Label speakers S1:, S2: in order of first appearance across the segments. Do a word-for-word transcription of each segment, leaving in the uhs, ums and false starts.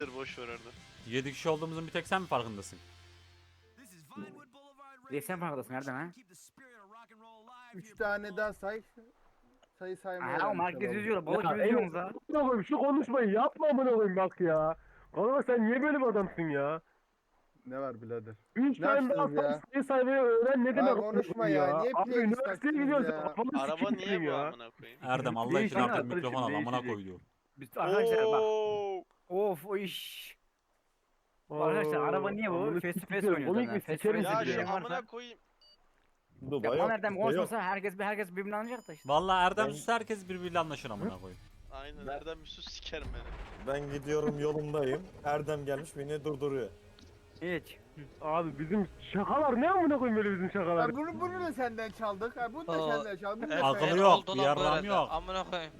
S1: Boş ver orada.
S2: yedi kişi olduğumuzun bir tek sen mi farkındasın?
S3: Bir sen farkındasın nereden ha?
S4: Üç tane daha say. Sayı saymayı
S3: Aha o
S4: öğrenmiş
S3: market
S4: olalım.
S3: yüzüyor. Balık
S5: Ya
S3: gibi yüzüyorsunuz ha.
S5: amına koyayım şu konuşmayı yapma amına koyayım bak ya. Kanka sen niye böyle bir adamsın ya?
S4: Ne var birader?
S5: Üç
S4: Ne
S5: tane daha
S4: açtınız ya?
S5: sayı saymayı öğren ne
S4: Ya
S5: demek
S4: konuşma
S5: amına koyayım
S4: ya. Niye
S5: Abi
S4: playlist
S5: üniversiteye
S4: açtınız
S5: gidiyorsun
S4: ya?
S5: kafanı
S1: Araba
S5: sikeyim
S1: niye
S5: senin
S1: bu
S5: ya.
S1: amına koyayım?
S2: Erdem Allah için
S3: Değişik
S2: artık
S3: arkadaşım,
S2: mikrofon al amına
S3: değişecek.
S2: koydu.
S3: Biz arkadaşlar bak.
S1: Oo.
S3: Of o iş. Arkadaşlar araba niye bu?
S5: Amına
S3: Face to face
S5: sikeceğim,
S3: oynuyoruz
S5: onu
S3: hemen.
S5: ilk
S3: Face to
S5: sikerim
S3: face
S1: Ya
S5: sizi
S3: bir
S1: şu
S3: şey
S5: ya.
S3: varsa.
S1: amına koyayım.
S3: Ya Erdem konuşmasa herkes bir herkes birbirine anlayacak da işte.
S2: Vallahi Erdem
S6: Ben-
S2: sus herkes birbiriyle anlaşır amına koyayım.
S1: Aynen nereden bir sus sikerim beni.
S6: Ben gidiyorum yolumdayım. Erdem gelmiş beni durduruyor.
S3: Hiç.
S5: Abi bizim şakalar ne amına koyayım böyle bizim şakalar?
S4: Ya bunu, bunu da senden çaldık. Ha, bunu da
S7: Aa,
S4: senden çaldık. Bunu da
S2: Akıllı
S4: senden-
S2: yok,
S7: oldu
S2: bir
S7: lan
S2: yarram
S7: böyle de.
S2: yok.
S7: Amına koyayım.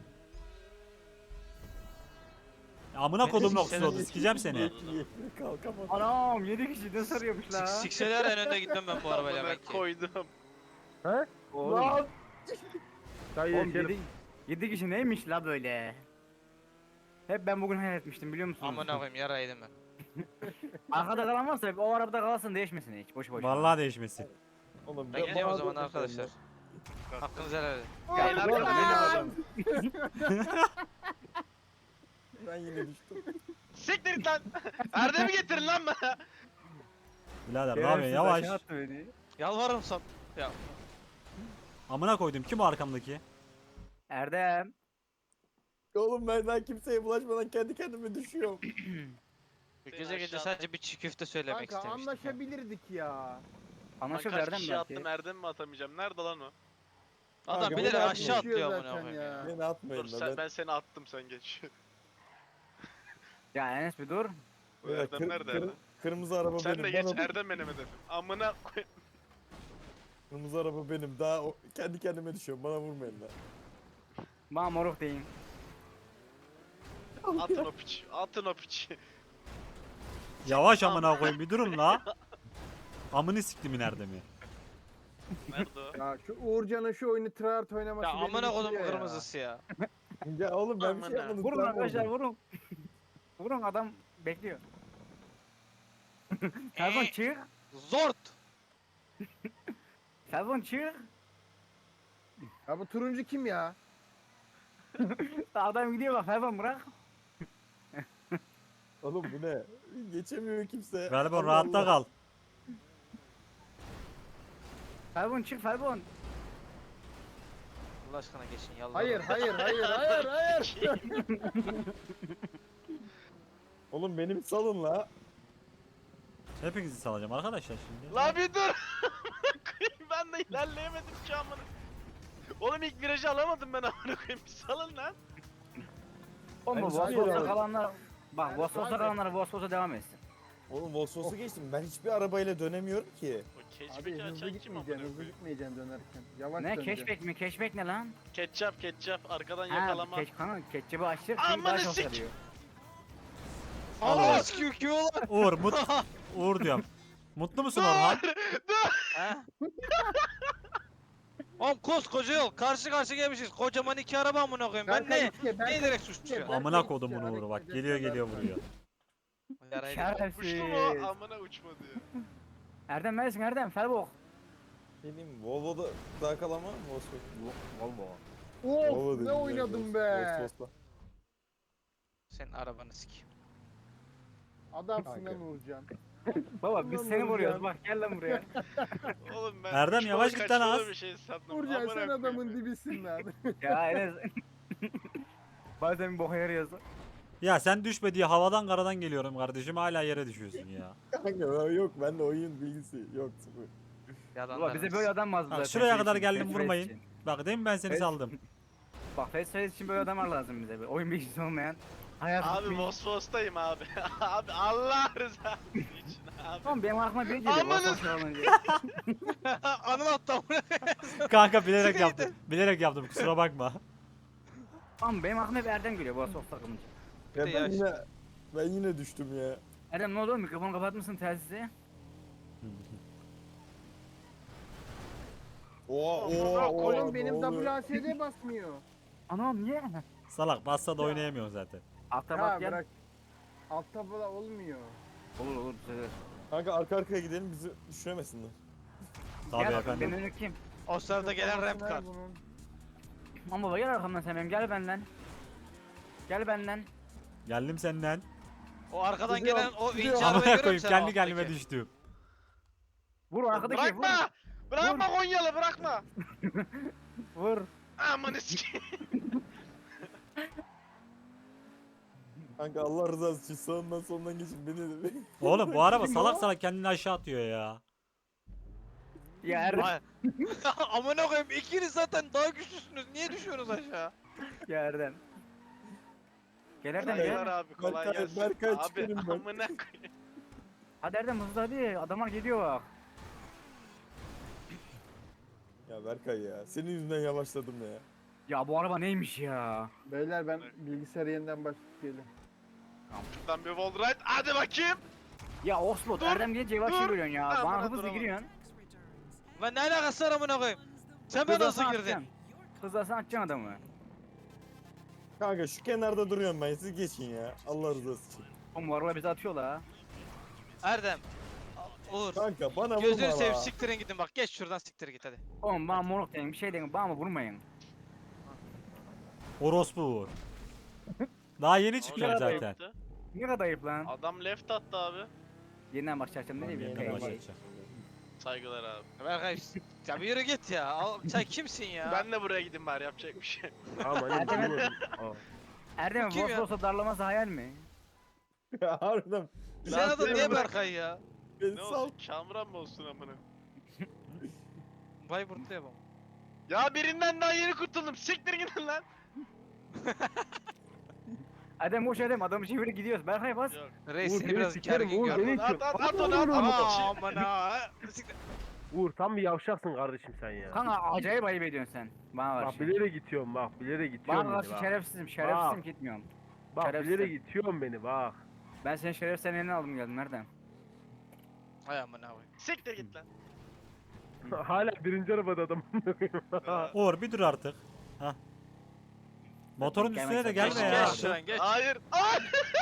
S2: Amına kodum
S7: Senin-
S2: noktası oldu sikeceğim seni.
S6: Kalkamadım.
S3: Anam yedi kişi ne sarıyormuş la.
S7: Sik sikseler en önde gitmem ben bu arabayla
S1: Amına
S7: belki.
S1: koydum.
S5: He?
S3: Oğlum,
S4: Lan!
S5: Dayı
S3: oğlum
S5: yeşerim.
S3: yedi, yedi kişi neymiş la böyle? Hep ben bugün hayal etmiştim biliyor musunuz?
S7: Amına koyayım yara yedim ben.
S3: Arkada kalan varsa hep o arabada kalsın değişmesin hiç boş boş.
S2: Vallahi değişmesin.
S6: Oğlum,
S7: Ben gideceğim o
S6: bana
S7: zaman
S6: dur
S7: arkadaşlar. Hakkınızı helal edin.
S3: Ya,
S1: En
S3: bu
S1: arkada
S3: arada-
S1: benim adam.
S6: Ben yine düştüm.
S1: Siktir git lan. Erdem'i getirin lan bana.
S2: Birader ne
S3: Şerefsiz
S2: yapıyorsun yavaş.
S3: aşağı attı beni.
S7: Yalvarırım sana. Ya
S2: Amına koydum kim o arkamdaki?
S3: Erdem.
S6: Oğlum ben daha kimseye bulaşmadan kendi kendime düşüyorum.
S7: bu gece gece sadece bir çiğ köfte söylemek
S4: Kanka
S7: istemiştim. ya.
S4: anlaşabilirdik ya.
S1: Lan
S3: Anlaşıldı
S1: kaç
S3: Erdem
S1: kişi
S3: belki.
S1: attım Erdem mi atamayacağım? Nerede lan o?
S7: Adam
S6: Kanka,
S7: bilerek
S6: bu da
S7: aşağı
S4: konuşuyor
S7: atlıyor amına
S4: zaten
S7: koyayım
S4: ya.
S7: ya.
S6: Beni atmayın
S1: Dur
S6: da
S1: sen,
S6: ben.
S1: ben seni attım sen geç.
S3: Ya Enes bir dur.
S1: Bu
S6: Ya,
S1: Erdem
S6: kır-
S1: nerede
S6: kır-
S1: Erdem?
S6: Kırmızı araba
S1: Sen
S6: benim.
S1: de geç
S6: Bana-
S1: Erdem benim hedefim. Amına koy.
S6: Kırmızı araba benim. Daha o- kendi kendime düşüyorum. Bana vurmayın lan.
S3: Bana moruk deyin.
S1: Atın o piç. Atın o piç.
S2: Yavaş amına koyayım bir durun la. Amını siktimin Erdem'i.
S1: Nerede o?
S4: Ya şu Uğurcan'ın şu oyunu tryhard oynaması
S7: Ya
S4: beni
S7: amına kodum
S4: bitiriyor ya.
S7: kırmızısı ya.
S6: Ya oğlum ben bir şey
S1: Aman ha.
S6: yapmadım.
S3: Vurun
S6: sen
S3: arkadaşlar
S6: vurdun.
S3: vurun. Vurun adam bekliyor. Telefon çık.
S7: Zort.
S3: Telefon çık.
S4: Ya bu turuncu kim ya?
S3: Adam gidiyor bak telefon bırak.
S6: Oğlum bu ne? Geçemiyor kimse.
S2: Galiba
S6: Allah
S2: rahatta
S6: Allah.
S2: kal.
S3: Telefon çık telefon.
S7: Allah aşkına geçin yalvarırım.
S4: Hayır hayır hayır hayır hayır.
S6: Oğlum benim salın la.
S2: Hepinizi salacağım arkadaşlar şimdi.
S1: La bir dur. Koyayım, ben de ilerleyemedim ki amına. Oğlum ilk virajı alamadım ben amına koyayım. Bir salın lan.
S3: Oğlum bu
S6: Ben
S3: Vosvos'a
S6: sanıyorum.
S3: kalanlar bak
S4: Ben
S3: Vosvos'a
S4: zaten-
S3: kalanlar Vosvos'a devam etsin.
S6: Oğlum Volkswagen'u geçtim. Ben hiçbir arabayla dönemiyorum ki.
S1: O
S4: Abi
S1: keşfeki
S4: hızlı
S1: açan kim amına
S4: gitmeyeceksin hızlı
S1: koyayım?
S4: gitmeyeceksin dönerken. Yavaş
S3: Ne
S4: döneceksin.
S3: keşbek mi? Keşbek ne lan?
S1: Ketçap ketçap arkadan
S3: Ha,
S1: yakalama.
S3: keş kanka ketçabı açacak
S1: Aman
S3: çünkü daha çok
S1: sik-
S3: sarıyor.
S7: Allah sikiyor ki oğlan.
S2: Uğur mut Uğur diyorum. Mutlu musun Orhan?
S7: Ha? Oğlum koskoca yol karşı karşı gelmişiz. Kocaman iki araba amına koyayım. Ben
S4: Berkay
S7: ne?
S4: ikiye, Berkay
S7: Ne direkt
S4: ikiye,
S7: suçluyorum?
S4: Berkay
S2: Amına
S4: ikiye,
S2: kodumun Uğur'u
S4: hareket
S2: bak
S4: edecek
S2: geliyor
S4: kadar
S2: geliyor
S4: var.
S2: vuruyor.
S7: Yarayı
S1: Uçtu mu?
S3: Şerefsiz.
S1: Amına uçmadı ya.
S3: Erdem neredesin Erdem? Felbok.
S6: Ne diyeyim Volvo'da daha kalama Volkswagen.
S3: Volvo.
S6: Volvo
S4: Of
S6: dedim
S4: ne
S6: ya,
S4: oynadım be.
S6: Volkswagen'la.
S7: Senin arabanı sikeyim.
S4: Adamsın
S6: Kanka.
S4: lan Uğurcan.
S3: Baba biz
S4: Ulan
S3: seni
S4: Nurcan.
S3: vuruyoruz bak gel lan buraya.
S1: Oğlum ben
S2: Erdem,
S1: uçmalı
S2: yavaş git lan
S1: kaçmalı
S2: az.
S1: bir şey sandım.
S4: Uğurcan
S1: Amına
S4: sen
S1: koyayım
S4: adamın
S1: ya.
S4: dibisin lan.
S3: Ya Enes. Bazen bir boka yarıyorsun.
S2: Ya sen düşme diye havadan karadan geliyorum kardeşim hala yere düşüyorsun ya.
S6: Kanka yok bende oyun bilgisi yok sıfır.
S3: Baba bize böyle adam lazım
S2: Bak
S3: zaten.
S2: şuraya
S3: şey
S2: kadar
S3: için,
S2: geldim
S3: face to face
S2: vurmayın.
S3: için.
S2: Bak değil mi ben seni
S3: Evet.
S2: saldım.
S3: Bak face to face için böyle adamlar lazım bize. Böyle oyun bilgisi olmayan. Hayat
S1: Abi Vosvos'tayım abi. Abi Allah rızası için abi.
S3: Tamam benim aklıma biri geliyor.
S1: Amanın-
S3: Vosvos alınca.
S7: Anıl attı amına.
S2: Kanka bilerek yaptım. Bilerek yaptım kusura bakma.
S3: Tamam benim aklıma hep Erdem geliyor Vosvos takılınca.
S6: Ya
S7: Bir de
S6: ben
S7: yaş.
S6: yine ben yine düştüm ya.
S3: Erdem ne oldu? Mikrofonu kapatmışsın telsizi.
S6: Oha
S1: Amına
S6: oha oha.
S1: koyayım,
S4: Oğlum benim
S6: ne oluyor?
S4: W A S D basmıyor.
S3: Anam niye?
S2: Salak bassa da oynayamıyorsun zaten.
S3: Altta
S4: Ha
S3: bak gel.
S4: bırak. Alt tabela olmuyor.
S3: Olur olur düzelir.
S6: Kanka arka arkaya gidelim bizi düşüremesinler.
S2: Tabii
S3: Gel,
S2: efendim.
S3: Ben önü kim?
S7: O sırada gelen ramp
S4: Nerede
S7: kar.
S4: bunun?
S3: Aman baba gel arkamdan sen benim gel benden. Gel benden.
S2: Geldim senden.
S7: O arkadan
S6: Gidiyorum,
S7: gelen o
S6: gidiyorum.
S7: ince arabayı
S2: Amına
S7: görüyor
S2: koyayım
S7: musun?
S2: kendi kendime düştüm.
S3: Vur arkadaki vur.
S1: Bırakma! Bırakma Konyalı bırakma!
S3: Vur.
S1: Aman eski.
S6: Kanka Allah rızası için sağından solundan geçin beni de.
S2: Oğlum bu araba
S3: Kim
S2: salak
S3: o?
S2: salak kendini aşağı atıyor ya.
S3: Ya Erdem.
S7: Ay. Amına koyayım ikiniz zaten daha güçlüsünüz. Niye düşüyorsunuz aşağı?
S3: Ya Erdem. Gel Erdem
S1: Saygılar
S3: gel.
S1: abi kolay
S6: Berkay-
S1: gelsin.
S6: Berkay
S1: Abi
S6: çıkarım ben.
S1: amına koyayım.
S3: Hadi Erdem hızlı hadi. Adamlar geliyor bak.
S6: Ya Berkay ya senin yüzünden yavaşladım ya.
S3: Ya bu araba neymiş ya?
S4: Beyler ben bilgisayarı yeniden başlatıp geliyorum.
S1: Şuradan bir wall ride hadi bakayım.
S3: Ya Oslo
S1: Dur,
S3: Erdem gelince yavaş
S1: dur.
S3: yürüyorsun ya.
S1: Ha,
S3: Bana
S1: buna
S3: hızlı
S1: duramadım.
S3: giriyorsun.
S7: Ben ne alakası var amına koyayım? Sen ben nasıl girdin?
S3: Hızlasan atacaksın adamı.
S6: Kanka şu kenarda duruyorum ben siz geçin ya. Allah rızası için.
S3: Oğlum bu araba bizi atıyor la.
S7: Erdem. Uğur.
S6: Kanka bana vurma
S7: Gözünü seveyim
S6: la.
S7: siktirin gidin bak geç şuradan siktir git hadi.
S3: Oğlum bana moruk deyin bir şey deyin bana vurmayın.
S2: Orospu Uğur. Daha yeni çıkıyorum
S1: Adam
S2: zaten.
S1: yaptı.
S3: Ne kadar ayıp lan.
S1: Adam left attı abi.
S3: Yeniden başlayacağım ne diyeyim
S2: Yeniden
S3: ya.
S2: başlayacağım.
S1: Saygılar abi.
S7: Berkay ya bir yürü git ya. Al- Sen kimsin ya?
S1: Ben de buraya gideyim bari yapacak bir şey.
S5: Ama ne bilmiyorum.
S3: Erdem
S7: Kim ya?
S3: Vosvos'a darlaması hayal mi?
S6: Ya harbiden.
S7: Sen adın
S6: beni
S7: niye
S6: bırak,
S7: Berkay ya?
S6: Beni
S1: Ne
S6: sal.
S1: olsun Kamuran mı olsun amına?
S7: Vay burtluya bak.
S1: Ya birinden daha yeni kurtuldum. Siktir gidin lan.
S3: Erdem boş Erdem adamı çevirip gidiyoruz. Berkay bas.
S1: Yok.
S7: Reis
S5: Uğur
S7: seni
S5: beni
S7: biraz
S5: sikerim,
S7: gergin
S5: Uğur
S7: gördüm.
S5: beni-
S1: At at at
S5: Aman
S1: onu at
S5: Allah'ım.
S1: at.
S7: Aa
S1: Şey-
S7: aman ha. Siktir.
S5: Uğur tam bir yavşaksın kardeşim sen ya.
S3: Kanka acayip ayıp ediyorsun sen. Bana
S5: Bak
S3: karşı.
S5: bilerek gidiyorum bak bilerek gidiyorum
S3: Bana
S5: beni
S3: karşı
S5: bak.
S3: şerefsizim şerefsizim
S5: Bak.
S3: gitmiyorum.
S5: Bak
S3: şerefsiz.
S5: bilerek gidiyorum beni bak.
S3: Ben senin şeref senin eline aldım geldim Erdem.
S7: Ay aman abi.
S1: Siktir git lan.
S5: Hala birinci arabada adam.
S2: Uğur bir dur artık. Hah. Motorun
S3: Gelmek
S2: üstüne de
S3: zorunda.
S7: Geç
S2: gelme ya.
S7: geç şuradan geç.
S1: Hayır. Ay!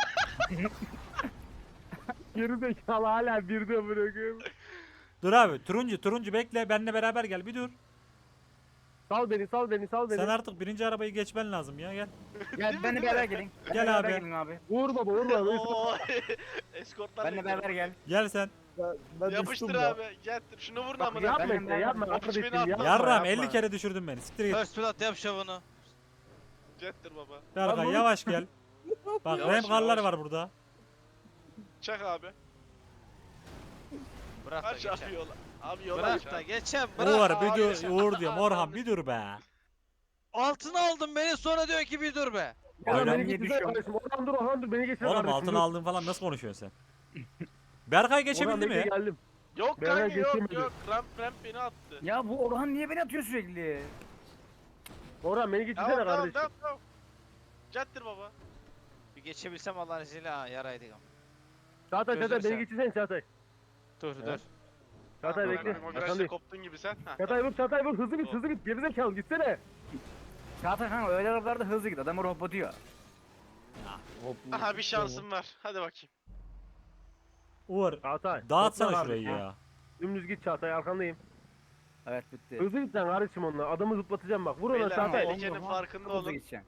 S5: Geri zekalı hala bir de bırakıyorum.
S2: Dur abi turuncu turuncu bekle benimle beraber gel bir dur.
S5: Sal beni sal beni sal beni.
S2: Sen artık birinci arabayı geçmen lazım ya gel.
S3: Gel benimle beraber gelin.
S2: Gel
S3: Benimle beraber
S2: abi.
S3: Gelin abi.
S5: Vur baba vur baba.
S1: Oo. Eskortlar
S3: Benimle
S1: bekliyorum.
S3: beraber gel.
S2: Gel sen.
S6: Ben, ben
S1: Yapıştır
S6: düştüm ya.
S1: abi. Getir şunu vurun
S5: Bak
S1: amına.
S5: yapma
S3: Ben-
S5: işte
S3: ben-
S5: yapma
S1: ben-
S5: kardeşim
S1: beni atma.
S5: yapma.
S2: Yarram
S5: yapma.
S2: elli kere düşürdün beni. Siktir git.
S7: First blood yap şovunu.
S1: Getir baba.
S2: Berkay
S5: Lan
S2: yavaş gel. Bak
S1: Yavaş,
S2: rem karlar
S1: yavaş.
S2: var burada.
S1: Çak abi.
S7: Bırak da
S1: Kaç abi
S7: geçem.
S1: yola. Abi yola
S7: Bırak
S1: aç
S7: da
S1: abi.
S7: geçem bırak.
S2: Uğur
S1: abi.
S2: bir dur. Uğur diyorum. Orhan bir dur be.
S7: Altına aldın beni sonra diyor ki bir dur be.
S5: Oradan
S2: Öyle
S5: beni
S3: niye
S5: geçirsene
S3: düşüyorum?
S5: kardeşim. Oradan dur oradan dur beni geçir
S2: Oğlum
S5: kardeşim.
S2: altına
S5: dur.
S2: aldın falan nasıl konuşuyorsun sen? Berkay geçebildi
S5: Oradan
S2: mi?
S5: bekle, geldim.
S1: Yok
S5: Ben
S1: kanka yok
S5: geçemedim.
S1: yok. Ramp ramp beni attı.
S3: Ya bu Orhan niye beni atıyor sürekli?
S5: Oradan beni geçirsene
S1: Tamam tamam
S5: kardeşim.
S1: tamam tamam. Jettir baba.
S7: Bir geçebilsem Allah'ın izniyle ha yaraydık ama.
S5: Çağatay
S7: Gözünü
S5: Çağatay beni
S7: seveyim.
S5: geçirsene Çağatay.
S7: Dur dur.
S5: Çağatay
S1: Tamam,
S5: bekle.
S1: tamam, O
S5: Hakan
S1: virajda
S5: Bey.
S1: koptun gibi sen. Ha,
S5: Çağatay vur Çağatay vur hızlı git hızlı git gerizekalı gitsene.
S3: Çağatay kanka öyle arabalarda hızlı git adamı robotluyor.
S6: Hop,
S1: Aha bir şansım var. Hadi bakayım.
S2: Uğur
S5: Çağatay.
S2: dağıtsana
S5: topla
S2: şurayı
S5: kardeşim.
S2: ya.
S5: Dümdüz git Çağatay arkandayım.
S3: Evet bitti.
S5: Hızlı git sen kardeşim onunla adamı zıplatacağım bak vur ona
S1: Beyler
S5: Çağatay.
S1: tehlikenin farkında
S3: Hızlı
S1: olun.
S3: gideceksin.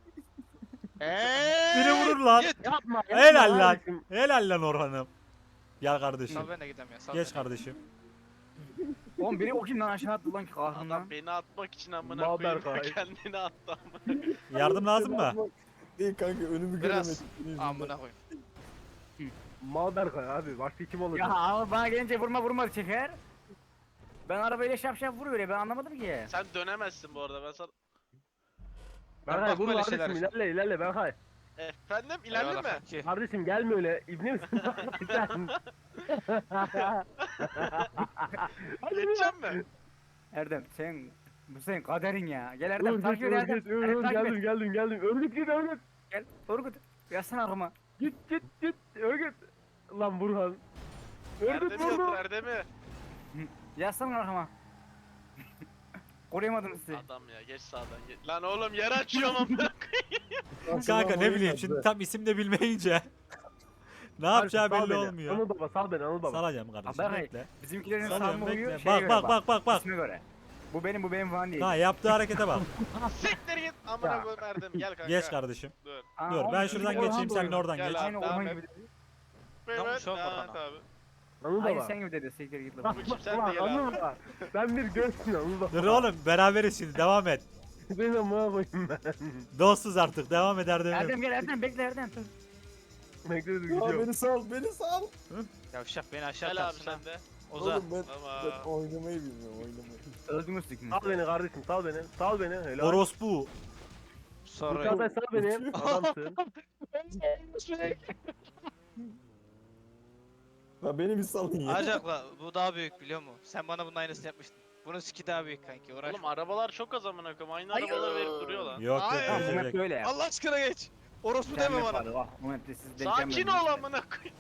S7: Eee.
S2: Biri vurur lan.
S7: Git.
S5: Yapma yapma
S2: Helal lan.
S5: kardeşim.
S2: Helal lan Orhan'ım. Gel kardeşim.
S7: Sal ben de gideyim ya. Sal
S2: Geç
S7: beni.
S2: kardeşim.
S3: Oğlum biri o kimden aşağı attı lan ki kahrından.
S1: Adam beni atmak için amına
S5: Mal
S1: koyayım.
S5: Berkay.
S1: Kendini attı amına.
S2: Yardım lazım mı?
S6: Değil kanka önümü
S7: Biraz.
S6: göremedim. senin yüzünden.
S7: Amına koyayım.
S5: Mal Berkay abi başka kim olacak?
S3: Ya ama bana gelince vurma vurma çeker. Ben arabayla şap şap vuruyor ya ben anlamadım ki.
S1: Sen dönemezsin bu arada ben sana.
S5: Berkay
S7: bakma
S5: vur
S7: öyle
S5: kardeşim
S7: şeylere.
S5: ilerle ilerle Berkay.
S1: Efendim ilerle
S7: Eyvallah
S1: mi?
S7: kanki.
S5: Kardeşim gelme öyle ibne misin? Sen.
S1: Geçeceğim mi?
S3: Erdem sen bu senin kaderin ya. Gel Erdem
S5: Dur
S3: takip
S5: git
S3: et
S5: dur
S3: Erdem.
S5: git dur
S3: Erdem,
S5: dur
S3: takip
S5: geldim
S3: et.
S5: geldim geldim. Örgüt git örgüt.
S3: Gel Orkut. Yazsana arkama.
S5: Git git git örgüt. Lan Burhan. Örgüt
S1: Erdem'i
S5: vurdu.
S1: yatır Erdem'i.
S3: Yazsana arkama. Koruyamadım sizi.
S1: Adam ya geç sağdan geç. Lan oğlum yer açıyorum amına.
S2: Kanka ne bileyim şimdi tam isim de bilmeyince. Ne yapacağı
S5: Sal
S2: belli
S5: beni.
S2: olmuyor.
S5: Anıl baba sal beni Anıl baba.
S2: Salacağım kardeşim
S3: Berkay,
S2: bekle.
S3: Bizimkilerin
S2: Salıyorum
S3: salma uyuyor
S2: bekle.
S3: şeye
S2: Bak
S3: göre
S2: bak bak bak bak.
S3: İsme göre. Bu benim bu benim falan değil.
S2: Ha yaptığı harekete bak.
S1: Siktir git. Amına koyayım Erdem gel kanka.
S2: Geç kardeşim.
S1: Dur.
S3: Aa,
S2: Dur
S3: oğlum,
S2: ben
S3: bizim
S2: şuradan
S3: Orhan
S2: geçeyim
S3: da
S2: sen de
S3: uyuyor.
S2: oradan
S1: Gel
S2: geç.
S1: abi.
S3: Aynı
S1: Devam
S3: Orhan
S1: et.
S3: gibi.
S7: Tamam,
S1: Evet.
S7: şu an
S1: Evet
S7: Orhan
S1: abi.
S5: Anıl
S3: Aynı
S5: baba.
S3: sen gibi dedi siktir git lan.
S1: Bu kim sen de
S5: Ulan
S1: gel
S5: Anıl
S1: abi.
S5: baba. Ben bir görsün Anıl baba.
S2: Dur oğlum beraberiz şimdi devam et.
S5: Beni amına koyayım ben.
S2: Dostuz artık devam eder demem.
S3: Erdem gel Erdem bekle Erdem.
S5: Bekle dur
S6: Ya
S5: gidiyorum.
S6: beni sal, beni sal.
S7: Yavşak beni aşağı
S1: Gel abi
S7: atarsın ha.
S1: sen de.
S7: Ozan.
S6: Oğlum ben,
S1: Tamam.
S6: ben oynamayı bilmiyorum, oynamayı.
S3: Öldünüz sikini.
S5: Sal beni kardeşim sal beni. Sal beni. Helal.
S2: Orospu.
S7: Sorry.
S5: Çağatay sal beni. Adamsın.
S6: Ya beni bir salın ya.
S7: Acakla bu daha büyük biliyor musun? Sen bana bunun aynısını yapmıştın. Bunun siki daha büyük kanki uğraş.
S1: Oğlum arabalar çok az amına koyayım. Aynı arabaları verip duruyor lan.
S2: Yok yok
S7: Hayır.
S3: Tamam bu map
S2: geçecek.
S3: böyle ya.
S7: Allah aşkına geç. Orospu deme bana.
S3: Ah, bu map'te siz denk
S1: Sakin
S3: gelmediniz.
S1: ol amına koyayım.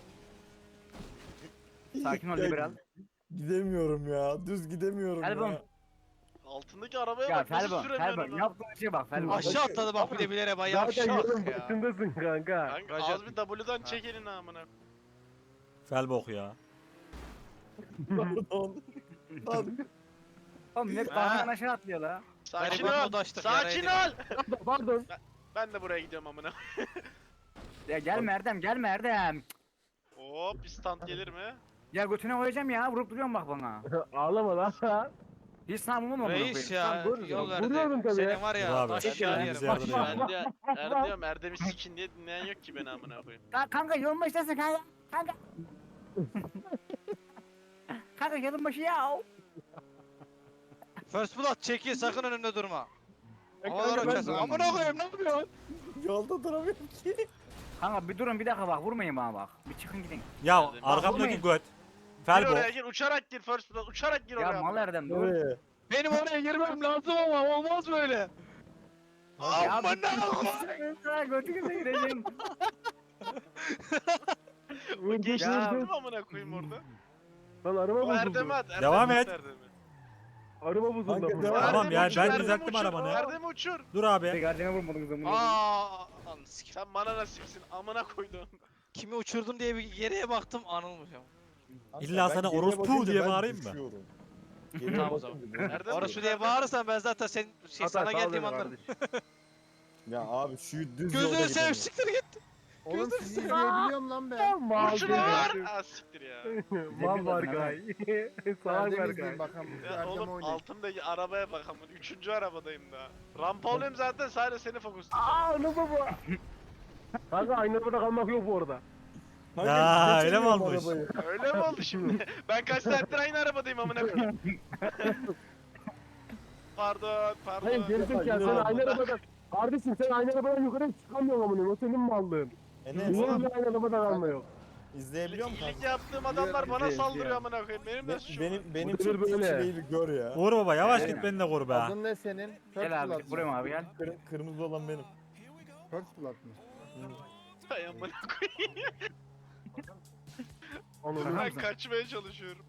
S3: Sakin ol
S6: Ya
S3: liberal.
S6: Gidemiyorum ya, düz gidemiyorum
S3: Felbon.
S6: ya.
S1: Altındaki arabaya
S3: Ya
S1: bak nasıl
S3: Felbon,
S1: süremiyorsun
S3: Felbon
S1: onu.
S3: yaptığın şeye bak Felbon.
S7: Aşağı atladı bak bir de bilere bay
S5: Zaten
S7: yavşak
S5: yolun
S7: ya.
S5: başındasın kanka.
S1: Kanka
S7: Racon.
S1: az bir W'dan çek elini amına koyayım.
S2: Felbok ya.
S6: Pardon. Lan,
S3: Oğlum net
S7: Ha.
S3: kahveden aşağı atlıyor la.
S1: Sakin
S7: Gariban
S1: ol.
S7: modu açtık,
S1: Sakin
S7: yaraydı.
S1: ol.
S5: Pardon.
S1: Ben de buraya gidiyorum amına.
S3: Ya gelme Erdem gelme Erdem.
S1: Hop bir stand gelir mi?
S3: Ya götüne koyacağım ya vurup duruyorsun bak bana.
S5: Ağlama lan.
S3: Hiç sanmam ama
S7: Reis ya
S5: Dur,
S7: yol
S5: vuruyorum
S7: verdi.
S5: tabii.
S7: Senin var
S2: Dur
S7: ya
S2: abi,
S7: taş
S3: çek
S7: aşağı
S3: ya.
S7: yerim.
S2: Bizi yardım
S7: Bak,
S2: edin.
S1: Ben de Erdem diyorum Erdem'i sikin diye dinleyen yok ki beni amına koyayım.
S3: Ka kanka yolun başındasın kanka. Kanka. kanka yolun başı ya.
S7: First blood çekil sakın önümde durma.
S5: E,
S7: Havalar
S5: kanka, ben-
S7: uçarsın. Amına koyayım ne yapıyorsun?
S6: yolda duramıyorum ki.
S3: Kanka bir durun bir dakika bak vurmayın bana bak. Bir çıkın gidin.
S2: Ya
S1: Bak,
S2: arkamdaki
S3: vurmayın.
S2: göt.
S1: Gir
S2: Felbok.
S1: oraya gir uçarak gir first blood uçarak gir oraya.
S3: Ya mal
S1: amına.
S3: Erdem dur.
S6: Nereye?
S7: Benim oraya girmem lazım ama olmaz böyle.
S3: Ya
S7: Amına
S3: bir götünüze gireceğim.
S5: Vur,
S1: Geçti
S5: vur,
S3: Ya.
S5: vur.
S1: değil mi amına koyayım orada?
S5: Lan araba
S1: O
S5: bozuldu.
S1: Erdem'e at. Erdem
S2: Devam
S1: at
S2: et.
S1: Erdem'i.
S5: Araba bozuldu.
S6: Kanka,
S5: ama.
S6: devam.
S2: Tamam
S1: Erdem'i
S2: ya,
S1: uçur,
S2: ben
S1: Erdem'i
S2: düzelttim
S1: uçur,
S2: arabanı.
S1: Erdem'i uçur.
S2: Dur abi.
S3: Tek Erdem'e vurmadınız ama.
S7: Aa, anı sikim.
S1: Sen bana nasipsin amına koydum.
S7: Kimi uçurdum diye bir geriye baktım anılmış ama.
S6: Kanka,
S2: İlla
S6: ben
S2: sana
S6: geriye
S2: orospu
S6: bakınca
S2: diye
S6: ben
S2: bağırayım mı?
S6: düşüyorum. Geriye
S7: Tamam o zaman.
S6: bakınca ben-
S1: Erdem
S7: Orası
S1: uçur,
S7: diye
S1: Erdem.
S7: bağırırsan ben zaten sen şey
S5: Hatta
S7: sana
S5: sal
S7: geldiğimi
S5: beni
S7: anlarım.
S5: kardeşim.
S6: Ya abi şu düz yolda
S7: Gözünü seveyim
S6: gidemiyorum.
S7: siktir git.
S4: Oğlum sizi izleyebiliyorum lan ben.
S5: Mal
S1: Vur şunu
S5: gel.
S1: vur. Aa siktir ya.
S5: Mal var gay. Salak
S4: Erdem
S5: var
S4: izleyin
S5: gay.
S4: bakalım.
S1: Ya
S4: Erdem
S1: oğlum
S4: oynayın.
S1: altımdaki arabaya bak amına. Üçüncü arabadayım daha. Rampa olayım zaten sadece seni fokuslayacağım.
S5: Aa ne baba. Kanka aynı arabada kalmak yok bu arada.
S6: Kanka,
S2: Ya, öyle mi
S6: geçemiyorum
S2: olmuş?
S6: arabayı.
S1: Öyle mi oldu şimdi? Ben kaç saattir aynı arabadayım amına koyayım. Pardon, pardon.
S5: Hayır gerizekalı sen
S6: Yok.
S5: aynı arabada. Kardeşim sen aynı arabadan yukarı çıkamıyorsun amına. O senin mallığın.
S6: Enes,
S5: Niye öyle aynı arabada kalma yok?
S6: izleyebiliyor musun
S1: İyilik
S6: kanka?
S1: yaptığım adamlar bana
S5: İzliyorum,
S1: saldırıyor
S5: izliyorum.
S1: amına koyayım. Benim
S6: Be-
S1: de suçum.
S6: benim benim
S5: Bu
S6: çok
S5: böyle.
S6: böyle. bir gör ya.
S2: Uğur baba yavaş
S3: Aynen.
S2: git beni de koru be.
S4: Adın ne senin? First
S3: Gel abi
S4: Blood
S3: buraya
S4: mı?
S3: mı abi gel.
S6: Kır- kırmızı olan benim.
S4: First Blood mı?
S1: Hay amına koyayım.
S5: Anladın
S1: Ben kaçmaya çalışıyorum.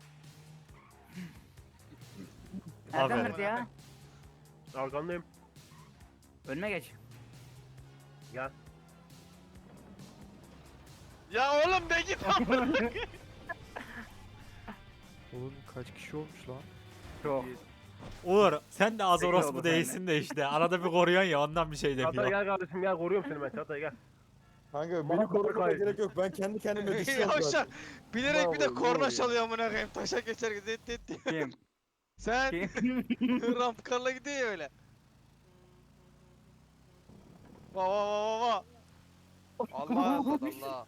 S3: Erdem
S2: Aferin.
S3: nerede ya?
S5: Arkandayım.
S3: Önüme geç.
S5: Gel.
S1: Ya oğlum de git amına koyayım.
S8: Oğlum kaç kişi olmuş lan?
S3: Çok.
S2: Uğur sen de az
S3: Peki
S2: orospu
S3: oldu
S2: değilsin de işte. Arada bir koruyorsun ya ondan bir şey
S5: Çağatay
S2: demiyor.
S5: gel kardeşim gel koruyorum seni ben Çağatay gel.
S6: Kanka
S5: Bana
S6: beni korumana
S5: korkayım.
S6: gerek yok. Ben kendi kendime düşüyorum
S7: Yavşak.
S6: zaten.
S7: Bilerek bir de
S6: Bravo,
S7: korna
S6: bravo.
S7: çalıyor amına koyayım. Taşa geçer dit dit dit.
S3: Kim?
S7: Sen
S3: Kim?
S7: ramp karla gidiyor ya öyle. Va va va va va. Allah Allah.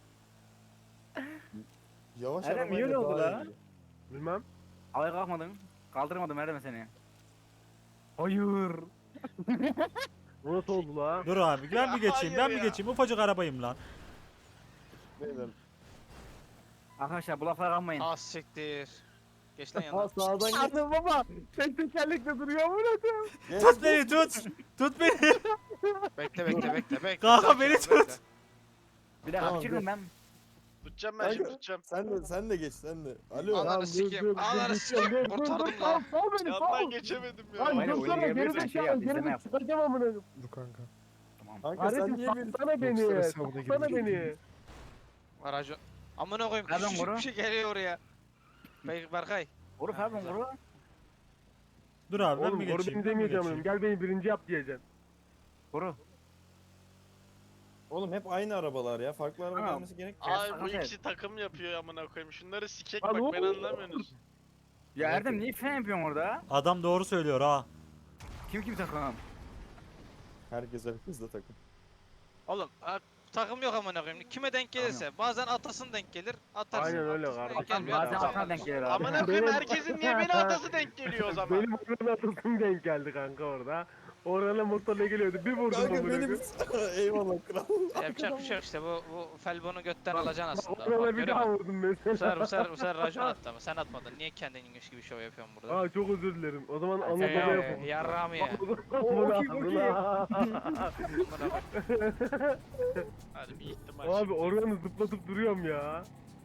S6: Yavaş
S3: Erdem,
S6: arabayla
S3: niye öyle oldu
S6: daha
S3: la?
S6: iyi.
S5: Bilmem.
S3: Havaya kalkmadın. Kaldırmadım Erdem seni. Hayır.
S5: Bu nasıl oldu la?
S2: Dur abi ben bir geçeyim ben
S1: Hayır
S2: bir
S1: ya.
S2: geçeyim ufacık arabayım lan.
S6: Beyler.
S3: Arkadaşlar bu laflara kalmayın.
S7: Az siktir. Geç lan
S6: Ha
S7: yanına.
S6: sağdan git.
S5: Anladım baba. Tek tekerlekle duruyor mu lan?
S6: Geç,
S2: Tut beni tut. Tut beni.
S7: Bekle bekle bekle bekle.
S2: Kanka,
S7: Sakin
S2: beni
S7: ol,
S2: tut.
S7: bekle.
S3: Bir dakika
S6: Tamam,
S3: çıkın
S6: dur.
S3: ben.
S1: Tutacağım ben şimdi
S6: Kanka,
S1: tutacağım.
S6: Sen de sen de geç sen de. Alo.
S7: Ananı
S5: Tamam, dur,
S7: sikeyim.
S5: dur, dur,
S7: Ananı
S5: dur,
S7: sikeyim.
S5: dur, dur,
S7: Kurtardım
S5: dur,
S7: lan.
S5: Sal sal beni
S1: Yandan
S5: sal.
S1: geçemedim ya.
S5: Lan
S3: Aynen,
S5: dursana
S3: oyuna girmiyorsan
S5: geri
S3: şey yap,
S5: zekalı
S3: izleme
S5: geri
S3: yap.
S5: çıkacağım amına.
S8: Dur kanka.
S3: Tamam.
S6: Kanka sen
S5: Kardeşim
S6: niye beni...
S5: salsana beni.
S8: Yoksa hesabına
S5: Salsana
S8: girmeyecek.
S5: beni.
S7: Aracı. Amına koyayım
S3: Nereden
S7: küçücük
S3: vuru?
S7: bir şey geliyor oraya. Bey Berkay.
S3: Vuru pardon vuru.
S2: Dur abi ben
S5: Oğlum
S2: mi
S5: oru
S2: geçeyim?
S5: benim
S2: Ben mi
S5: demeyeceğim
S2: geçeyim?
S5: oğlum. Gel beni birinci yap diyeceksin.
S3: Vuru.
S6: Oğlum hep aynı arabalar ya. Farklı araba
S3: Tamam.
S6: gelmesi gerek.
S1: Ay bu
S3: sakat
S1: ikisi takım yapıyor amına koyayım. Şunları sikek
S5: Lan
S1: bak
S5: oğlum.
S1: ben anlamıyorsunuz.
S3: Ya Erdem niye fren yapıyorsun orada?
S2: Adam doğru söylüyor ha.
S3: Kim kim takım?
S6: Herkes herkesle takım.
S7: Oğlum ha, takım yok amına koyayım. Kime denk gelirse. Bazen atasın denk gelir. Atarsın.
S5: Aynen öyle
S7: atasın
S5: kardeşim.
S7: denk gelmiyor,
S3: Bazen
S7: atarsın.
S3: atana denk gelir abi.
S1: Amına koyayım
S5: Benim-
S1: herkesin niye beni atası denk geliyor o zaman?
S5: Benim oranın atasım denk geldi kanka orada. Orana motorla geliyordu. Bir vurdum
S6: Kanka
S5: amına
S6: benim...
S5: koyayım.
S6: Eyvallah kral.
S7: Yapacak bir şey yok işte bu bu felbonu götten alacaksın aslında. Bak,
S5: Orana bir
S7: görüyor
S5: daha
S7: musun?
S5: vurdum
S7: Bu sefer,
S5: mesela.
S7: bu sefer, bu sefer racon attı ama sen atmadın. Niye kendinmiş gibi şov yapıyorsun burada?
S5: Aa çok özür dilerim. O zaman
S3: Ee,
S5: anlatma
S7: Eee
S5: yapalım.
S7: yarrağım ya.
S5: Amına amına.
S7: Amına koyayım.
S1: Hadi bir ihtimal.
S5: Abi
S1: şimdi.
S5: oranı zıplatıp duruyorum ya.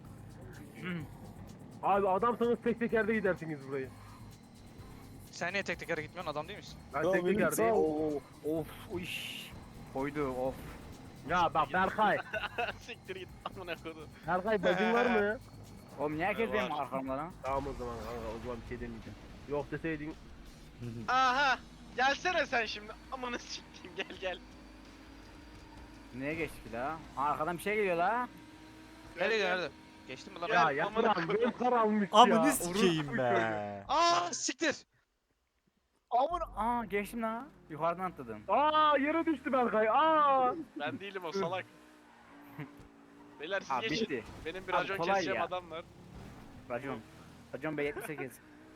S5: Abi adamsanız tek tekerde gidersiniz burayı.
S7: Sen niye tek tekere gitmiyorsun adam değil misin?
S5: Ben
S6: Ya
S5: tek
S6: benim
S5: tekerdeyim.
S6: sağ
S3: Oo, of uş. Koydu of.
S5: Ya bak Berkay.
S1: Siktir git amına koyayım.
S5: Berkay bacın var mı?
S3: Oğlum niye herkes
S1: Var.
S3: benim arkamda lan?
S5: Tamam o zaman kanka o zaman bir şey demeyeceğim. Yok deseydin.
S1: Aha. Gelsene sen şimdi. Amına sikeyim gel gel.
S3: Neye geçtik la? Aa, arkadan bir şey geliyor la.
S1: Gel,
S7: Nereye
S1: gel.
S7: nerede? Geçtin mi lan?
S1: Ya,
S5: Ya
S1: amına
S5: yapma
S1: koyayım.
S5: benim kar almış ya.
S2: Amını sikeyim
S5: Orospu
S2: be.
S7: Aa siktir.
S3: Aman aa geçtim la. Yukarıdan atladım.
S5: çocuğu. Aa yere düştü Berkay. Aa.
S1: Ben değilim o salak. Beyler siz
S3: Aa
S1: geçin.
S3: bitti.
S1: Benim bir
S3: Abi,
S1: racon
S3: kolay
S1: keseceğim
S3: ya.
S1: adam var.
S3: Racon. Racon B yetmiş sekiz.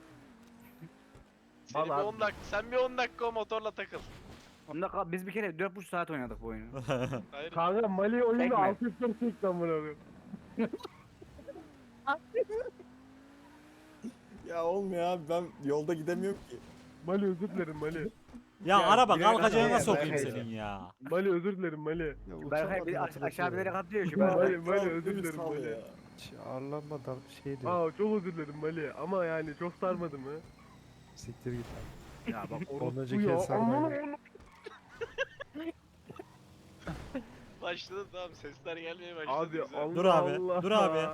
S1: Seni bir
S5: Vallahi-
S1: on dakika, sen bir on dakika o motorla takıl.
S3: Onda kal- biz bir kere dört buçuk saat oynadık bu oyunu.
S1: Hayır.
S5: Kanka Mali oyunu
S3: Tekme.
S5: altı yüz kırk seksen amına koyayım.
S6: Ya olmuyor abi ben yolda gidemiyorum ki.
S5: Mali özür dilerim Mali.
S2: Ya
S3: Ya,
S2: araba
S3: bilerek
S2: kalkacağına
S3: atıyor,
S2: sokayım
S3: bilerek
S2: senin ya.
S5: Mali özür dilerim Mali.
S3: Berkay bir aş- aşağı bilerek atlıyor şu
S5: Mali,
S3: Berkay.
S5: Mali
S6: Kral,
S5: özür
S6: beni
S5: dilerim
S6: sal
S5: Mali.
S6: ya.
S8: Hiç ağırlanmadan şey diyor.
S5: Aa çok özür dilerim Mali ama yani çok sarmadı mı?
S8: Siktir git.
S3: Ya bak
S8: Ondan
S5: Bu
S8: önceki
S5: ya
S8: el sarmaydı.
S5: aman oğlum.
S1: Başladı tamam sesler gelmeye başladı.
S5: Abi
S1: güzel.
S5: Allah
S2: Dur abi,
S5: Allah.
S2: dur abi.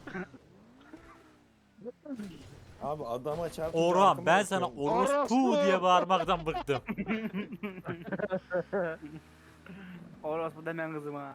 S6: Abi adama çarpınca
S2: Orhan
S6: arkama
S2: ben sana
S6: bakıyorum.
S2: orospu diye bağırmaktan bıktım.
S3: orospu demen kızıma.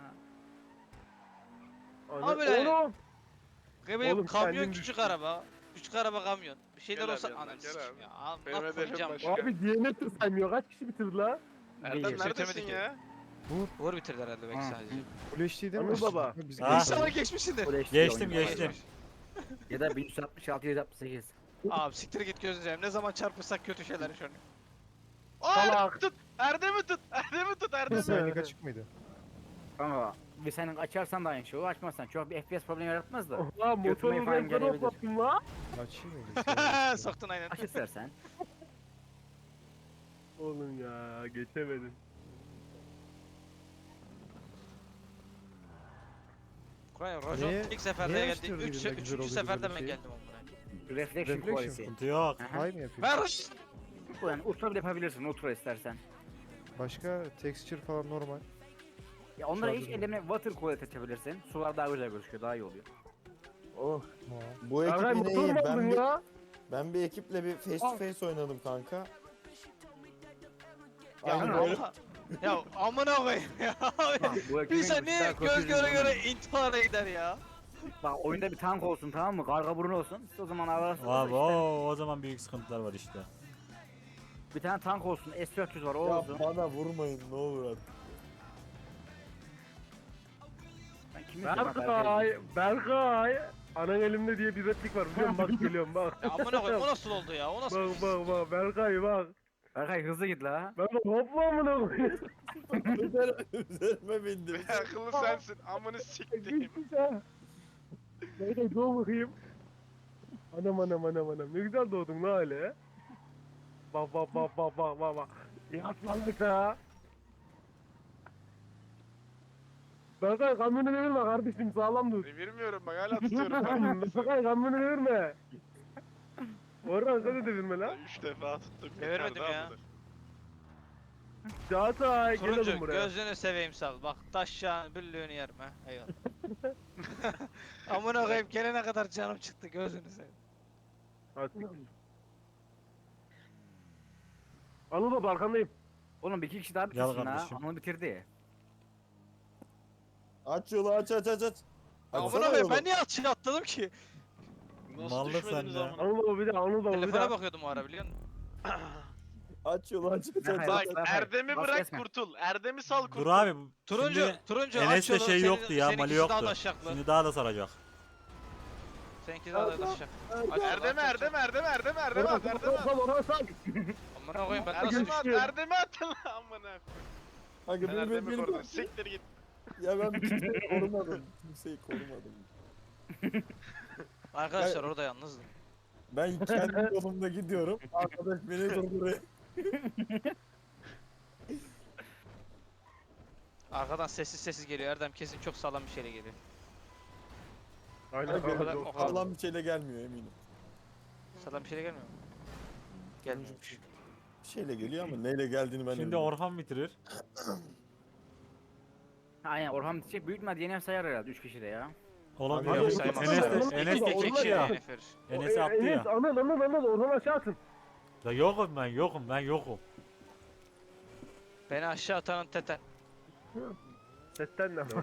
S5: Ana-
S7: Abi lan.
S5: Oğlum.
S7: Benim
S5: Oğlum,
S7: kamyon
S5: kendin
S7: küçük araba. Küçük araba kamyon. Bir şeyler
S1: Gel
S7: olsa
S1: abi yanına,
S7: ananı
S1: gel
S7: sikeyim
S1: abi.
S7: ya. Al,
S1: Benim
S7: Nasıl
S1: hedefim
S7: koyacağım?
S1: başka.
S5: Abi D N F saymıyor. Kaç kişi bitirdi la?
S1: Erdem
S3: Değil,
S1: neredesin
S7: bitirmedik
S1: ya?
S7: Uğur bitirdi herhalde belki
S3: Ha.
S7: sadece.
S8: Full H D değil mi?
S5: Anıl baba.
S8: Biz
S2: Ha.
S7: İnşallah geçmişsindir.
S3: Bu da işte
S2: Geçtim
S3: oyun.
S2: geçtim.
S3: Ya da bin üç yüz altmış altı yüz altmış sekiz.
S7: Abi siktir git gözleyeceğim. Ne zaman çarpırsak kötü şeyler yaşanıyor.
S1: Aa,
S5: Salak.
S1: tut! Erdem'i tut! Erdem'i tut! Erdem'i!
S8: Güvenlik açık mıydı?
S3: Kanka bir senin açarsan da aynı şey o açmazsan çok bir F P S problemi yaratmaz da.
S5: Oha
S3: Götürmeyi
S5: motorun
S3: falan
S5: renkleri
S3: gelebilir.
S5: hoplattın la.
S8: Açayım mıydı?
S7: Soktun aynen.
S3: Aç istersen.
S5: Oğlum ya geçemedim.
S7: Kur'an Rajon
S8: Niye-
S7: ilk seferde
S8: niye
S7: geldi.
S8: açtırdı
S7: Üç,
S8: bize güzel
S7: üçüncü
S8: oluyor
S7: seferde
S8: böyle
S7: ben
S8: şey?
S7: geldim onlara.
S3: Reflection
S8: Reflection.
S3: quality.
S2: Sıkıntı yok.
S3: Aha.
S8: Hay mı yapayım?
S7: Ver
S3: Yani ultra bile yapabilirsin ultra istersen.
S8: Başka texture falan normal.
S3: Ya onlara hiç
S8: Şarjı-
S3: ellerine water quality açabilirsin. Sular daha güzel gözüküyor daha iyi oluyor.
S6: Oh,
S8: Ha.
S6: bu ekip
S5: Berkay
S6: yine
S5: motor
S6: iyi.
S5: mu aldın
S6: Ben bir,
S5: ya?
S6: ben bir ekiple bir face to face oynadım kanka.
S7: Ya
S6: Aynen öyle.
S7: Allah. Ya amına koyayım ya.
S3: Bak, bu ekibin
S7: İnsan niye
S3: güzel
S7: göz
S3: kötü
S7: göre
S3: yüzünden.
S7: göre intihara gider ya.
S3: Bak oyunda bir tank olsun tamam mı? Karga burun olsun. İşte o zaman ararsın.
S2: Abi
S3: işte.
S2: o, o zaman büyük sıkıntılar var işte.
S3: Bir tane tank olsun. S dört yüz var o
S6: Ya
S3: olsun.
S6: bana vurmayın ne olur artık.
S3: Ben kimi izliyorum?
S5: Berkay, Berkay. Anan elimde diye bir replik var biliyor musun? Bak geliyorum bak.
S7: Ya amına koyayım o nasıl oldu ya? O nasıl
S5: Bak
S7: bir
S5: bak bak Berkay bak.
S3: Berkay hızlı git la.
S5: Ben de hopla amına koyayım.
S6: Üzerime, üzerime bindim.
S1: Akıllı sensin. Amını siktiğim.
S5: Gitmiş ha. Berkay doğ bakayım. Anam anam anam anam. Ne güzel doğdun la öyle. Bak bak bak bak bak bak bak. Yatmalık ha. Berkay kamyonu devirme kardeşim sağlam dur.
S1: Devirmiyorum bak hala tutuyorum.
S5: Berkay kamyonu devirme. Orhan sen de devirme lan.
S1: Üç defa tuttum.
S7: Devirmedim
S1: yeter
S7: ya.
S1: daha budur.
S5: Çağatay gel
S7: Turuncu
S5: oğlum buraya.
S7: gözünü seveyim sal. Bak taş yağın büllüğünü yerim ha. Eyvallah. Amına koyayım gelene kadar canım çıktı gözünü seveyim.
S5: Hadi. Anıl baba arkandayım.
S3: Oğlum bir iki kişi daha
S2: Gel
S3: bitirsin ha.
S2: kardeşim.
S3: Onu bitirdi.
S6: Aç yolu aç aç aç aç.
S7: Amına
S6: Açsana
S7: koyayım
S6: yolu.
S7: ben niye atışa atladım ki?
S1: Nasıl
S2: Mallı
S1: düşmediniz
S2: sen de.
S1: amına?
S5: Anıl baba bir daha Anıl baba bir
S7: Telefona
S5: daha.
S7: bakıyordum o ara biliyor musun?
S6: Aç yolu aç aç
S3: Ne
S6: aç.
S3: hayır,
S1: Bak
S3: Bas, bas,
S1: Erdem'i
S3: bas,
S1: bırak
S3: kesme.
S1: kurtul. Erdem'i sal kurtul.
S2: Dur abi. bu-
S7: Turuncu,
S2: Şimdi
S7: turuncu aç
S2: Enes'te
S7: yolu.
S2: şey
S7: Senin-
S2: yoktu ya. Mali
S7: seninkisi daha
S2: yoktu.
S7: taşaklı.
S2: Şimdi daha da saracak.
S7: Seninki daha da taşacak.
S1: Erdem'i Erdem'i Erdem'i Erdem'i Erdem'i at
S5: Orhan
S1: Erdem'i
S5: sal
S1: at.
S5: sal Orhan sal.
S7: Amına koyayım ben nasıl
S1: Erdem'i at
S7: düştüm?
S1: Erdem'i atın lan amına.
S6: Kanka
S1: Ben
S6: beni beni
S1: Erdem'i
S6: beni.
S1: korudum. Siktir git.
S6: Ya ben kimseyi korumadım. Kimseyi korumadım.
S7: Arkadaşlar orada yalnızdım.
S6: Ben kendi yolumda gidiyorum. Arkadaş beni durduruyor.
S7: Arkadan sessiz sessiz geliyor. Erdem kesin çok sağlam bir şeyle geliyor.
S5: Aynen
S6: Kanka,
S5: kanka.
S7: o kadar-
S6: Sağlam bir şeyle gelmiyor eminim.
S7: Sağlam bir şeyle gelmiyor mu? Gelmiyormuş.
S6: Bir şeyle geliyor ama neyle geldiğini ben de
S2: Şimdi
S6: bilmiyorum.
S2: Orhan bitirir.
S3: Aynen Orhan bitecek. Büyük ihtimalle D N F sayar herhalde üç kişi de ya.
S2: Olabilir.
S6: Abi,
S2: Enes
S7: saymaz.
S2: Enes
S5: Orhan-
S2: de, Enes de
S5: Orhan-
S7: İki
S2: iki
S7: kişi
S2: ya.
S7: D N F verir.
S2: Enes'i attı
S5: Enes
S2: ya.
S5: Anıl Anıl Anıl Orhan aşağı atın.
S2: Ya yokum ben yokum ben yokum.
S7: Beni aşağı atanın teten.
S5: Setten de.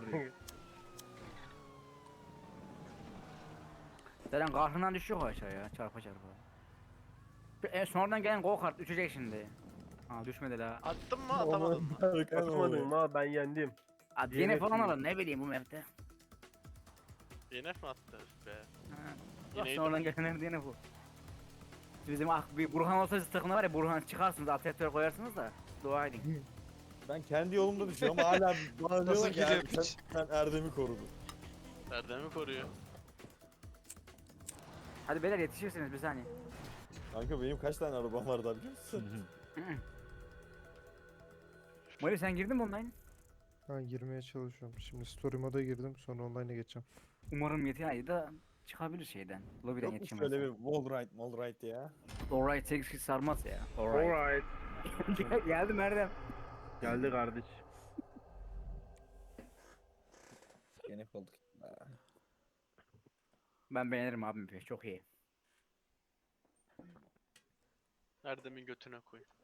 S3: Zaten kahrından düşüyor o aşağıya. Çarpa çarpa. Bir- E, sonradan gelen go kart düşecek şimdi. Ha düşmedi la.
S1: Attın mı atamadın mı?
S5: Atmadın mı? Ben yendim.
S3: Ha, D N F
S5: D N F
S3: falan
S5: mi?
S3: alın ne bileyim bu map'te.
S1: D N F mi attı Üf be?
S3: Ha.
S1: Yine
S3: Sonradan gelenler D N F bu. Bizim ah, bir Burhan olsa siz takımda var ya Burhan çıkarsınız atletler koyarsınız da dua edin.
S6: Ben kendi yolumda düşüyorum ama hala bana
S7: Nasıl
S6: diyorlar ki
S7: geliyor
S6: "Er- sen,
S7: piç?"
S6: sen Erdem'i korudun.
S1: Erdem'i koruyor.
S3: Hadi beyler yetişirsiniz bir saniye.
S6: Kanka benim kaç tane arabam var da biliyor musun?
S3: Mali sen girdin mi online?
S8: Ben girmeye çalışıyorum. Şimdi story moda girdim sonra online'a geçeceğim.
S3: Umarım yeter ayda çıkabilir şeyden. Lobiden
S6: Yok mu
S3: yetişemez.
S6: şöyle bir wall ride, wall ride ya?
S3: Alright sekiz kişi sarmaz ya. Alright.
S5: Alright.
S3: Geldim Erdem.
S5: Geldi kardeş.
S6: Gene olduk.
S3: Ben beğenirim abim çok iyi.
S1: Erdem'in götüne koy.